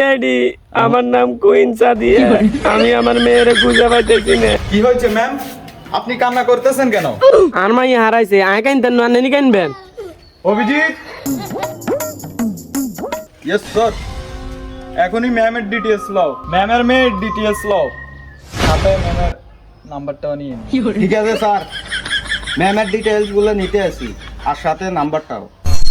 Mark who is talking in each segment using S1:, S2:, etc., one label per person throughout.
S1: CID, আমার নাম queen Sadia. আমি আমার মেয়েরে খুঁজে পাইতেছি না।
S2: কি হয়েছে ম্যাম, আপনি কান্না করতেছেন কেন?
S1: আর মাই হারাইছে, আয় কাইনতেন না, নেনি কাইনবেন?
S2: অভিজিৎ। Yes sir. এখনই ম্যামের ডিটেইলস লও, ম্যামের মেয়ের ডিটেইলস লও, সাথে ম্যামের নাম্বারটাও নিয়ে নিন।
S3: ঠিক আছে স্যার, ম্যামের ডিটেইলস গুলো নিতে আসি আর সাথে নাম্বারটাও।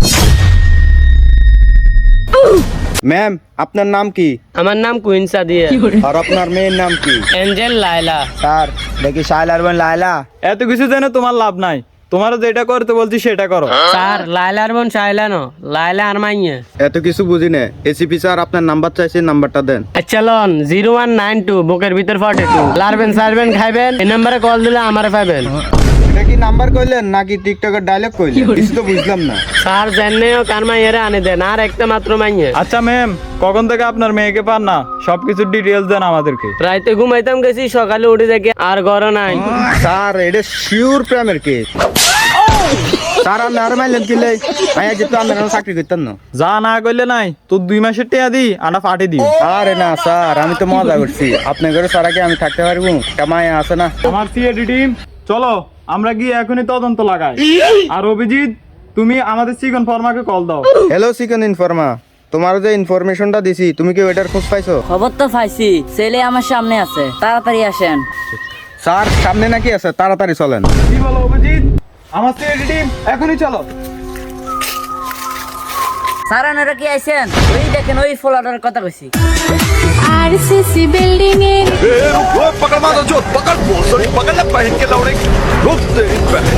S3: ম্যাম, আপনার নাম কি?
S1: আমার নাম কুইন সাদিয়া।
S3: আর আপনার মেয়ের নাম কি?
S1: এঞ্জেল লায়লা।
S3: স্যার, দেখি শাইলার বোন লায়লা।
S2: এত কিছু জেনে তোমার লাভ নাই, তোমার যেটা করতে বলছি সেটা করো।
S1: স্যার, লায়লার বোন শাইলা ন, লায়লা আর মাইয়া।
S3: এত কিছু বুঝি না। এসিপি স্যার আপনার নাম্বার চাইছে, নাম্বারটা দেন।
S1: আচ্ছা লন, 0192 বুকের ভিতর 42। লারবেন সারবেন খাইবেন, এই নম্বরে কল দিলে আমারে পাবেন।
S3: এটা কি নাম্বার কইলেন নাকি টিকটকের ডায়লগ কইলেন? কিছু তো বুঝলাম না।
S1: স্যার জানেও কার মাইয়ারে আনে দেন, আর একটা মাত্র মাইয়া।
S2: আচ্ছা ম্যাম, কখন থেকে আপনার মেয়েকে পান না, সবকিছু ডিটেইলস দেন আমাদেরকে।
S1: রাইতে ঘুমাইতাম গেছি, সকালে উঠে দেখি আর ঘর নাই।
S3: স্যার, এটা শিওর প্রেমের কেস। স্যার, আপনি আর মাইলেন কিলে মাইয়া যেত আপনারা চাকরি করতেন না।
S2: যা না কইলে নাই, তোর 2 মাসের টিয়া দি আটা ফাটি দি।
S3: আরে না স্যার, আমি তো মজা করছি। আপনার ঘরে স্যার আগে আমি থাকতে পারবো? মায়া আছে না।
S2: আমার সিআইডি টিম চলো, আমরা গিয়ে এখনই তদন্ত লাগাই। আর অভিজিৎ, তুমি আমাদের চিকন ফর্মাকে কল দাও।
S3: হ্যালো চিকেন ইনফর্মা, তোমার যে ইনফরমেশনটা দিছি, তুমি কি ওইটার খোঁজ পাইছো?
S4: খবর তো পাইছি, ছেলে আমার সামনে আছে, তাড়াতাড়ি আসেন।
S3: স্যার, সামনে নাকি আছে? তাড়াতাড়ি চলেন।
S2: কি বলো অভিজিৎ? আমার সিআইডি টিম এখনই চলো।
S4: স্যার আপনারা কি আইছেন? ওই দেখেন, ওই ফ্ল্যাটের কথা কইছি।
S5: आरसीसी बिल्डिंग है।
S6: पकड़ मारो जो पकड़ सॉरी पकड़ ले पहन के लौड़े रुक तेरी बहन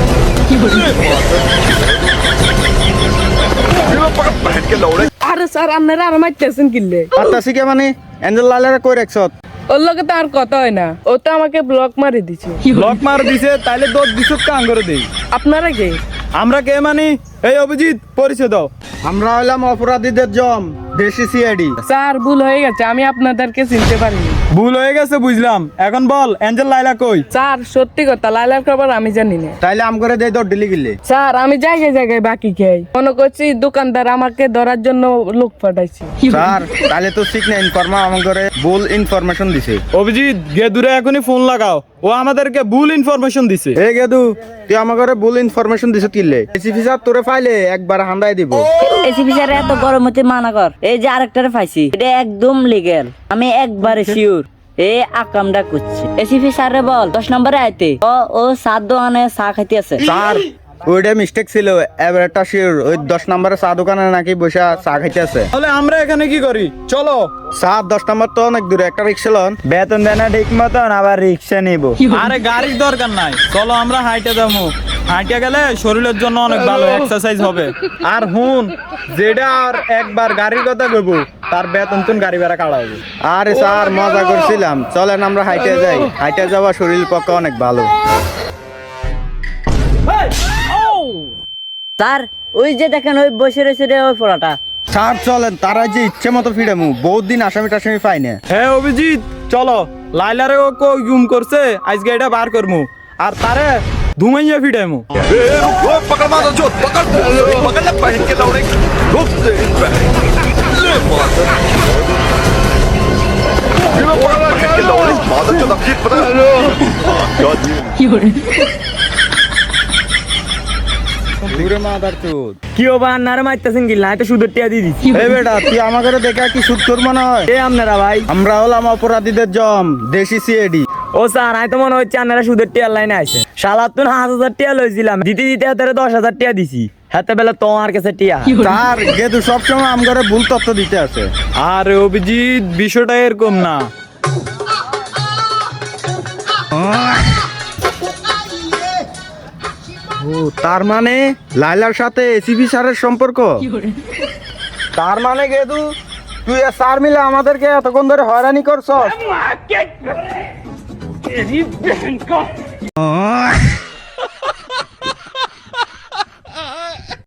S6: पकड़ पहन के लौड़े।
S7: আরে স্যার, আপনারা আর মারতেছেন কিনলে?
S3: আত্মাসি কে মানে এঞ্জেল লালেরা কই রাখছত?
S7: ওর লগে তো আর কথা হয় না, ও তো আমাকে ব্লক মারি দিছে।
S2: ব্লক মার দিছে, তাইলে দোষ দিছত কাম করে দেই।
S7: আপনারা কে?
S2: আমরা কে মানি? এই অভিজিৎ, পরিচয় দাও।
S3: আমরা হইলাম অপরাধীদের জম, দেশি সিআইডি।
S7: স্যার, ভুল হয়ে গেছে, আমি আপনাদেরকে চিনতে পারিনি।
S2: ভুল হয়ে গেছে বুঝলাম, এখন বল এঞ্জেল লাইলা কই?
S7: স্যার, সত্যি কথা, লাইলার খবর আমি জানি না।
S3: তাইলে আম করে দেই, দৌড় দিলি গিলে।
S7: স্যার, আমি জায়গায় জায়গায় বাকি খাই, মনে করছি দোকানদার আমাকে ধরার জন্য লোক পাঠাইছি।
S3: স্যার, তাহলে তো ঠিক না, ইনফর্মা আমার ঘরে ভুল ইনফরমেশন দিছে।
S2: অভিজিৎ, গেদুরে এখনই ফোন লাগাও, ও আমাদেরকে ভুল ইনফরমেশন দিছে।
S3: এই গেদু, তুই আমার ঘরে ভুল ইনফরমেশন দিছ কিলে? এসিপি স্যার তোরে ফাইলে একবার হান্দাই দিব।
S4: এসিপি স্যার এত গরম হতে মানা কর। এই যে আরেকটারে পাইছি, এটা একদম লিগ্যাল, আমি একবারে শিওর এ আকামটা করছে। এসিপি স্যারে বল 10 নম্বরে আইতে। ও সাত দোকানে চা খাইতে আছে।
S3: স্যার, ওইটা মিস্টেক ছিল। এবার একটা শিওর, ওই 10 নম্বরে চা দোকানে নাকি বসে চা খাইতে আছে।
S2: তাহলে আমরা এখানে কি করি? চলো।
S3: স্যার, 10 নম্বর তো অনেক দূরে, একটা রিক্সা লন। বেতন দেয় না ঠিক মতন, আবার রিক্সা নিব।
S2: আরে গাড়ির দরকার নাই, চলো আমরা হাইটে যাবো। হাইটে গেলে শরীরের জন্য অনেক ভালো এক্সারসাইজ হবে। আর হুন, যেটা আর একবার গাড়ির কথা কইব, তার বেতন তুন গাড়ি ভাড়া কাটা হবে।
S3: আরে স্যার, মজা করছিলাম, চলেন আমরা হাইটে যাই। হাইটে যাওয়া শরীর পক্ষে অনেক ভালো।
S4: স্যার, ওই যে দেখেন, ওই বসে রয়েছে রে ওই ফোড়াটা।
S3: স্যার চলেন, তারা যে ইচ্ছে মতো ফিরামু, বহুত দিন আসামি টাসামি পাই না।
S2: হ্যাঁ অভিজিৎ, চলো। লাইলারে ও কো গুম করছে, আজকে এটা বার করমু, আর তারে ধুমাইয়া ফিডামু।
S6: पकड़ मारो जो पकड़ सॉरी पकड़ ले पहन के लौड़े रुक तेरी बहन पकड़ के लौड़े मादर जो नफीस पता
S3: দূরে মাদার চোদ।
S1: কি ও বা আন্নারে মারতেছেন কি? না তো সুদের টিয়া দিয়ে দিচ্ছি।
S3: এই বেটা, তুই আমার ঘরে দেখা কি সুদ তোর মনে হয়?
S1: এ আপনারা ভাই?
S3: আমরা হলাম অপরাধীদের জম, দেশি সিআইডি।
S1: ও স্যার, আমি তো মনে হচ্ছে আপনারা সুদের টিয়ার লাইনে আছে। সালাতুন 5,000 টিয়া লইছিলাম, দিতে দিতে হাতে 10,000 টিয়া দিছি। হাতে বেলা তোমার কাছে টিয়া।
S3: স্যার, গেদু সবসময় আম ঘরে ভুল তথ্য দিতে আছে।
S2: আরে অভিজিৎ, বিষয়টা এরকম না।
S3: ও, তার মানে লাইলার সাথে এসিপি স্যারের সম্পর্ক। তার মানে গেদু, তুই আর স্যার মিলে আমাদেরকে এতক্ষণ ধরে হয়রানি করছস।